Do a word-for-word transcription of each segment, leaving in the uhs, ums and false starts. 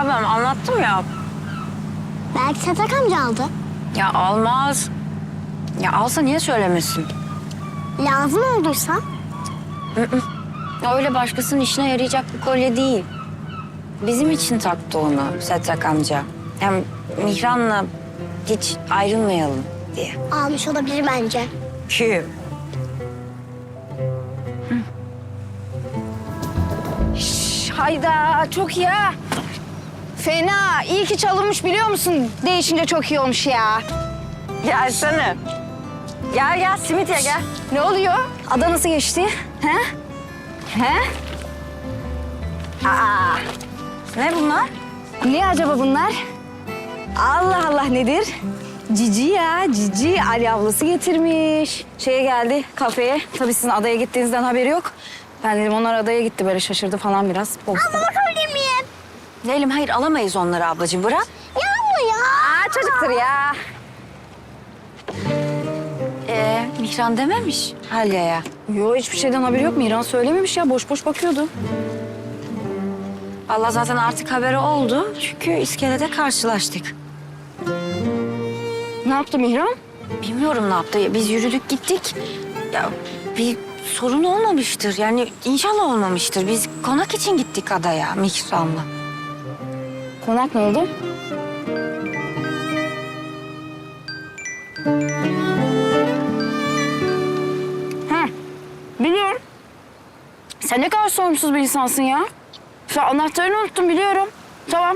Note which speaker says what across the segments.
Speaker 1: ablam anlattım ya.
Speaker 2: Belki Satak amca aldı.
Speaker 1: Ya almaz. Ya alsa niye söylemesin?
Speaker 2: Lazım olduysa.
Speaker 1: Ya öyle başkasının işine yarayacak bir kolye değil. Bizim için taktı onu Setrak amca. Hem Mihran'la hiç ayrılmayalım diye.
Speaker 2: Almış olabilir bence.
Speaker 1: Kim?
Speaker 3: Hayda çok iyi ha. Fena. İyi ki çalınmış biliyor musun? Değişince çok iyi olmuş ya.
Speaker 1: Gelsene. Gel gel simit ye gel.
Speaker 3: Ne oluyor? Ada nasıl geçti? He? He? Aa,
Speaker 1: Ne bunlar?
Speaker 3: ne acaba bunlar? Allah Allah nedir? Cici ya, Cici. Ali ablası getirmiş. Şeye geldi, kafeye. Tabii sizin adaya gittiğinizden haberi yok. Ben dedim onlar adaya gitti böyle şaşırdı falan biraz.
Speaker 2: Abla bakabilir miyim?
Speaker 1: Leylim hayır alamayız onları ablacığım bırak.
Speaker 2: Ya abla ya.
Speaker 3: Aa, çocuktur ya.
Speaker 1: Ee, Mihran dememiş Halya'ya.
Speaker 3: Yo hiçbir şeyden haberi yok. Miran söylememiş ya. Boş boş bakıyordu.
Speaker 1: Allah zaten artık haberi oldu. Çünkü iskelede karşılaştık.
Speaker 3: Ne yaptı Mihran?
Speaker 1: Bilmiyorum ne yaptı. Biz yürüdük gittik. Ya bir sorun olmamıştır. Yani inşallah olmamıştır. Biz konak için gittik adaya Mihran'la.
Speaker 3: Konak ne oldu? Ha, biliyorum. Sen ne kadar sorumsuz bir insansın ya. Sen anahtarını unuttun biliyorum. Tamam.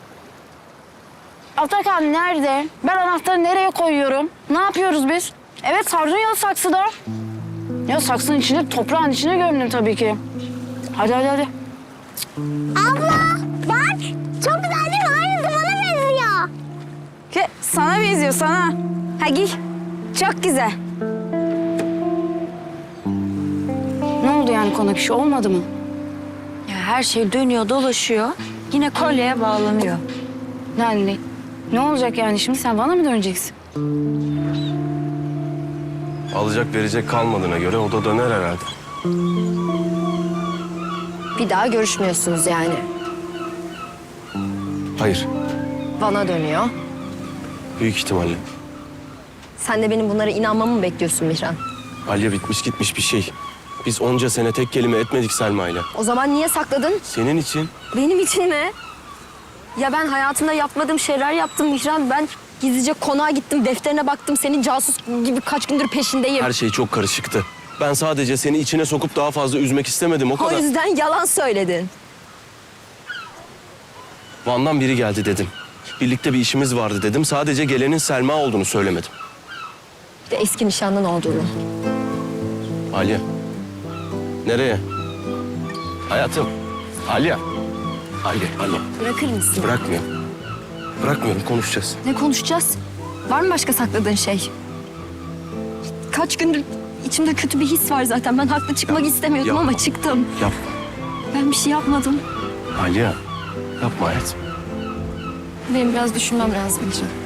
Speaker 3: Atakan nerede? Ben anahtarı nereye koyuyorum? Ne yapıyoruz biz? Evet sardun ya saksıda. Ya saksının içine, toprağın içine gömdüm tabii ki. Hadi hadi hadi.
Speaker 2: Abla bak. Çok güzel değil mi? Aynısı bana benziyor.
Speaker 3: Ke, sana benziyor sana. Ha giy. Çok güzel. Ne oldu yani konak işi olmadı mı?
Speaker 1: Ya her şey dönüyor dolaşıyor. Yine kolyeye bağlanıyor.
Speaker 3: Yani ne, ne olacak yani şimdi sen bana mı döneceksin?
Speaker 4: Alacak verecek kalmadığına göre o da döner herhalde.
Speaker 5: Bir daha görüşmüyorsunuz yani.
Speaker 4: Hayır,
Speaker 5: Bana dönüyor.
Speaker 4: büyük ihtimalle.
Speaker 5: Sen de benim bunlara inanmamı mı bekliyorsun Mihran?
Speaker 4: Alya bitmiş gitmiş bir şey. Biz onca sene tek kelime etmedik Selma'yla.
Speaker 5: O zaman niye sakladın?
Speaker 4: Senin için
Speaker 5: Benim için mi? Ya ben hayatımda yapmadığım şeyler yaptım Mihran. Ben gizlice konağa gittim, defterine baktım. Senin casus gibi kaç gündür peşindeyim.
Speaker 4: her şey çok karışıktı. Ben sadece seni içine sokup daha fazla üzmek istemedim o
Speaker 5: O
Speaker 4: kadar.
Speaker 5: yüzden yalan söyledin.
Speaker 4: Van'dan biri geldi dedim. Birlikte bir işimiz vardı dedim. Sadece gelenin Selma olduğunu söylemedim.
Speaker 5: Bir de eski nişanlın olduğunu.
Speaker 4: Alya. Nereye? Hayatım. Alya. Alya, Alya.
Speaker 5: Bırakır mısın?
Speaker 4: Bırakmıyorum. Bırakmıyorum, konuşacağız.
Speaker 5: Ne konuşacağız? Var mı başka sakladığın şey? Kaç gündür içimde kötü bir his var zaten. Ben haklı çıkmak
Speaker 4: Yapma,
Speaker 5: istemiyordum
Speaker 4: yapma.
Speaker 5: ama çıktım.
Speaker 4: Yapma.
Speaker 5: Ben bir şey yapmadım.
Speaker 4: Alya. Yapma hayatım.
Speaker 5: Benim biraz düşünmem lazım Mihran.